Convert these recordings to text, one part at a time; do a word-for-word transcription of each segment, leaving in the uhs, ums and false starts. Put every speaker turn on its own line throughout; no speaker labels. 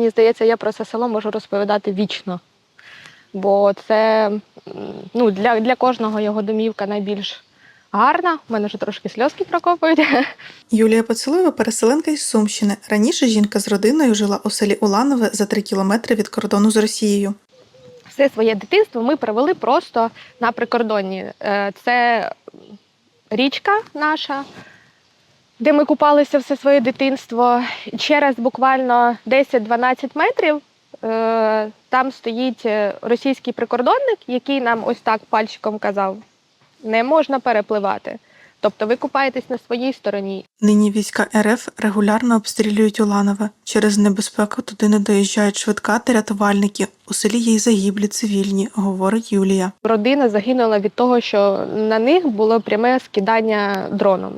мені здається, я про це село можу розповідати вічно. Бо це ну, для, для кожного його домівка найбільш гарна. У мене вже трошки сльозки прокопують.
Юлія Поцілуєва – переселенка із Сумщини. Раніше жінка з родиною жила у селі Уланове за три кілометри від кордону з Росією.
Все своє дитинство ми провели просто на прикордонні. Це річка наша, де ми купалися все своє дитинство. Через буквально десять-дванадцять метрів там стоїть російський прикордонник, який нам ось так пальчиком казав: не можна перепливати. Тобто ви купаєтесь на своїй стороні.
Нині війська РФ регулярно обстрілюють Уланове. Через небезпеку туди не доїжджають швидка та рятувальники. У селі є й загиблі цивільні, говорить Юлія.
Родина загинула від того, що на них було пряме скидання дроном.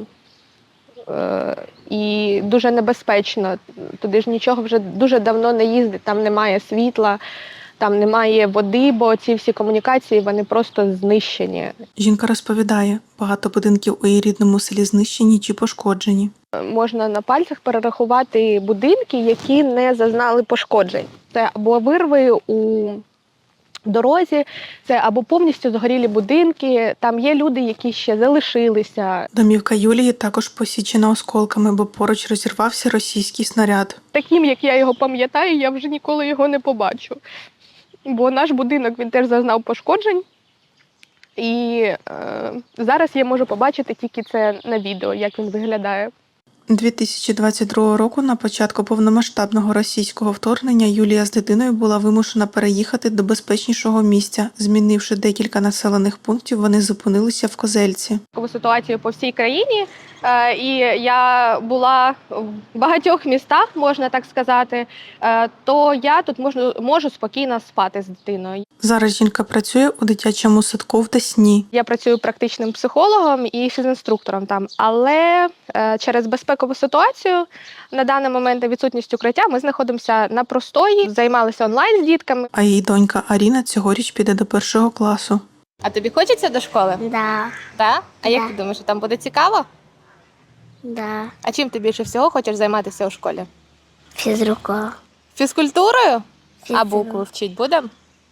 Е, і дуже небезпечно. Туди ж нічого вже дуже давно не їздить, там немає світла, там немає води, бо ці всі комунікації, вони просто знищені.
Жінка розповідає, багато будинків у її рідному селі знищені чи пошкоджені.
Можна на пальцях перерахувати будинки, які не зазнали пошкоджень. Це або вирви у дорозі, це або повністю згорілі будинки, там є люди, які ще залишилися.
Домівка Юлії також посічена осколками, бо поруч розірвався російський снаряд.
Таким, як я його пам'ятаю, я вже ніколи його не побачу. Бо наш будинок, він теж зазнав пошкоджень. І е, зараз я можу побачити тільки це на відео, як він виглядає.
дві тисячі двадцять другого року, на початку повномасштабного російського вторгнення, Юлія з дитиною була вимушена переїхати до безпечнішого місця. Змінивши декілька населених пунктів, вони зупинилися в Козельці.
Ситуацію по всій країні, е, і я була в багатьох містах, можна так сказати, е, то я тут можу, можу спокійно спати з дитиною.
Зараз жінка працює у дитячому садку в Десні.
Я працюю практичним психологом і фізінструктором там, але е, через безпекову ситуацію на даний момент відсутність укриття ми знаходимося на простої, займалися онлайн з дітками.
А її донька Аріна цьогоріч піде до першого класу.
А тобі хочеться до школи?
Да,
Так? А як
Да.
ти думаєш, там буде цікаво?
да,
А чим ти більше всього хочеш займатися у школі?
физрука.
Фізкультурою? А
Фізрук.
букви вчить будемо?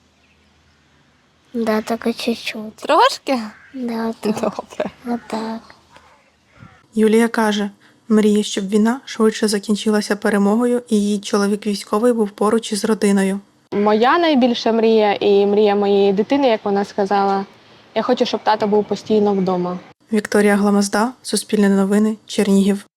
Да, только чуть-чуть.
Трошки?
Да, вот так.
Добре.
Вот так.
Юлія каже, мріє, щоб війна швидше закінчилася перемогою і її чоловік військовий був поруч із родиною.
Моя найбільша мрія і мрія моєї дитини, як вона сказала, я хочу, щоб тато був постійно вдома.
Вікторія Гламазда, Суспільне новини, Чернігів.